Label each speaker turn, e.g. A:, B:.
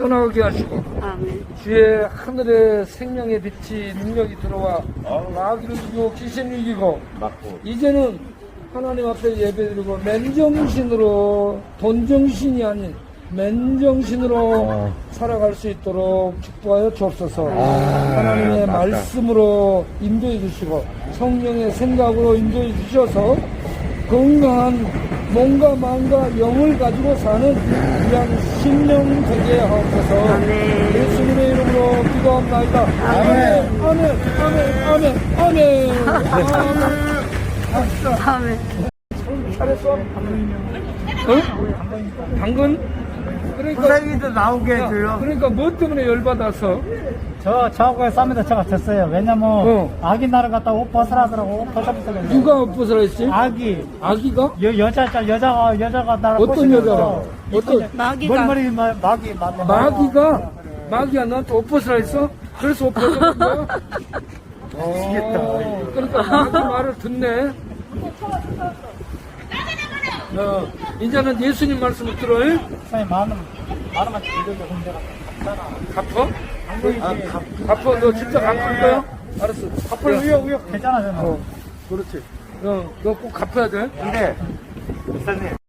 A: 떠나게 하시고
B: 아멘.
A: 주의 하늘의 생명의 빛이 능력이 들어와 마귀를 이기고 귀신을 이기고 이제는 하나님 앞에 예배드리고 맨정신으로 돈정신이 아닌 맨정신으로 살아갈 수 있도록 축복하여 주옵소서. 하나님의 말씀으로 인도해 주시고 성령의 생각으로 인도해 주셔서 건강한 몸과 마음과 영을 가지고 사는 귀한 신령 되게 하옵소서.
B: 아멘.
A: 예수님의 이름으로 기도합니다. 아멘. 아멘. 아멘. 아멘. 아멘.
B: 아멘.
A: 잘했어? 당근? 그러니까
C: 후생이도 나오게
A: 야,
C: 해줘요.
A: 그러니까 뭐 때문에 열받아서?
C: 저하고의 싸움에다 제가 졌어요. 왜냐면 아기 나를 갖다 옷 벗으라더라고. 옷 벗어보세요.
A: 누가 엎어서라 했지? 아기가?
C: 여자가 나를
A: 어떤
C: 벗으면서
A: 여자가? 어떤
B: 마귀가.
C: 머리
A: 마귀가? 마귀가 너한테 엎어서라 했어? 그래서 엎어서 거야? 그러니까 마귀 말을 듣네. 이제는 예수님 말씀을 들어요?
C: 선생님 많으면 들려도 문제가
A: 갚어? 갚어? 너 진짜 갚을 거야? 알았어.
C: 앞으로 우역 괜찮아 저는.
A: 그렇지. 너 꼭 갚아야 돼.
C: 근데 목사님